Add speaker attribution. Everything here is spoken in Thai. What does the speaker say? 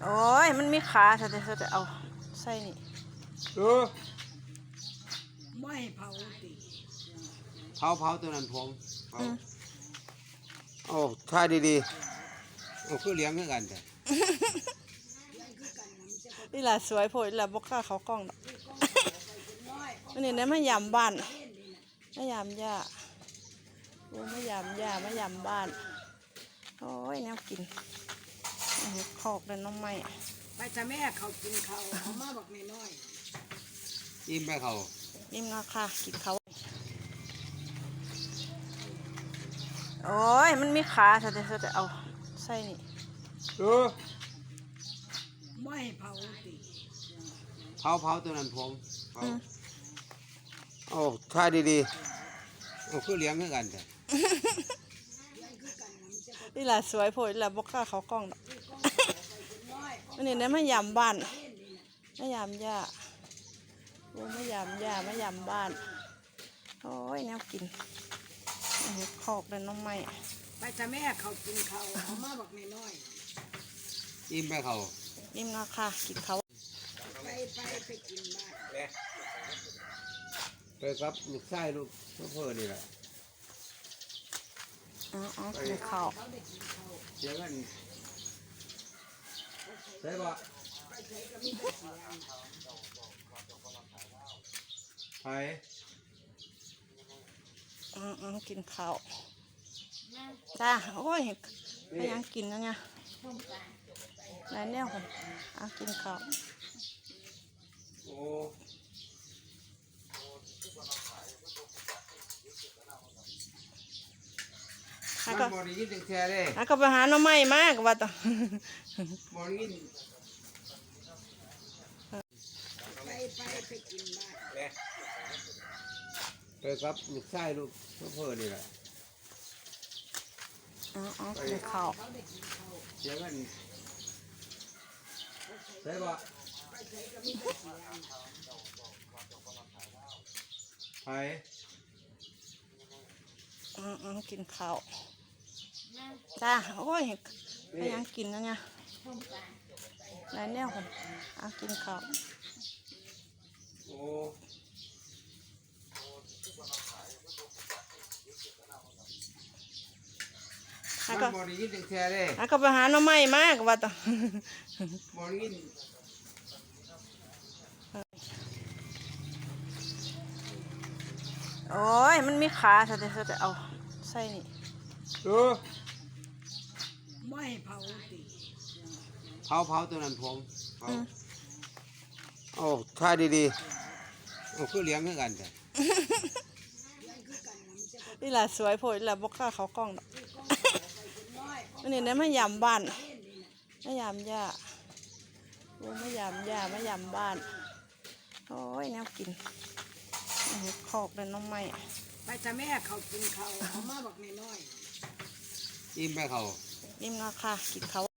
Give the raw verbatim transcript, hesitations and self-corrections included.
Speaker 1: โอ้ยมันมีขาถ้าจะจะเอาใส่นี่
Speaker 2: เออ
Speaker 3: ไม่เผาติ
Speaker 2: เผาเผาตัวนั้นผมเผาโอ้ท่าดีๆโอ้คือเลี้ยงเหมือนกันแต่
Speaker 1: นี่แหละสวยโพดนี่แหละบกล้าเขากล้องดอกมันนี่เนี่ยมายามบ้านมายามย่าโอ้มายามย่ามายามบ้านโอ้ยแนวกินขอกเลยน้องไม้
Speaker 3: ไปจะแม่เขากินเขาเขามาบอกน้อย
Speaker 2: ยิ้มไปเขา
Speaker 1: ยิ้มนะค่ะกินเขาโอ้ยมันมีขาถ้าจะจะเอาใส่นี่
Speaker 2: เออ
Speaker 3: ไม่เผาติ
Speaker 2: เผาเผาตัวนั้นผมเผาโอ้ท่าดีๆโอ้คือเลี้ยงเหมือนกันแต่
Speaker 1: นี่แหละสวยโพดนี่แหละบกล้าเขากล้องดอกมันนี่เนี่ยมายามบ้านมายามย่าโอ้มายามย่ามายามบ้านโอ้ยแนวกินขอกเลยน้องไม้
Speaker 3: ไปจะแม่เขากินเขาเขามาบอกน้อย
Speaker 2: ยิ้มไปเขา
Speaker 1: ยิ้มนะค่ะกินเขา
Speaker 3: ไปไปไปกินบ้าน
Speaker 2: ไปครับลูกชายลูกเพื่อนนี่แหละ
Speaker 1: อ๋ออ๋อกินข้าว
Speaker 2: เสียกันใช่ปะไป
Speaker 1: อืมอืมกินข้าวจ้าโอ้ยไปยังกินนะเนี่ยไหนเนี่ยคนอ่ะกินข้าว
Speaker 2: โอ้
Speaker 1: แล้วก็
Speaker 2: มอนี่ยินแท้เลย
Speaker 1: แล้วก็ไปหาหน่อไม้มากว่าต่อ
Speaker 2: มอนี่
Speaker 3: ไปไปไปกินบ้าน
Speaker 2: ไปครับลูกชายลูกเพื่อนนี่แหละ
Speaker 1: อ๋ออ๋อกินข้าว
Speaker 2: เสียกันใช่ปะไป
Speaker 1: อืมอืมกินข้าวจ้าโอ้ยไปยังกินนะเนี่ยไหนเนี่ยคนอ่ะกินข้าว
Speaker 2: โอ้
Speaker 1: แล้วก็
Speaker 2: มอนี่ยินแท้เลย
Speaker 1: แล้วก็ไปหาหน่อไม้มากว่าต่อ
Speaker 2: มอนี่
Speaker 1: โอ้ยมันมีขาถ้าจะจะเอาใส่นี่
Speaker 2: เออ
Speaker 3: ไม่เผาติ
Speaker 2: เผาเผาตัวนั้นผมเผาโอ้ท่าดีๆโอ้คือเลี้ยงเหมือนกันแต่
Speaker 1: นี่แหละสวยโพดนี่แหละบกล้าเขากล้องดอกมันนี่เนี่ยมายามบ้านมายามย่าโอ้มายามย่ามายามบ้านโอ้ยแนวกินขอกเลยน้องไม้
Speaker 3: ไปจะแม่เขากินเขาเขามาบอกน้อย
Speaker 2: ยิ้มไปเขา
Speaker 1: ยิ้มนะค่ะกินเขา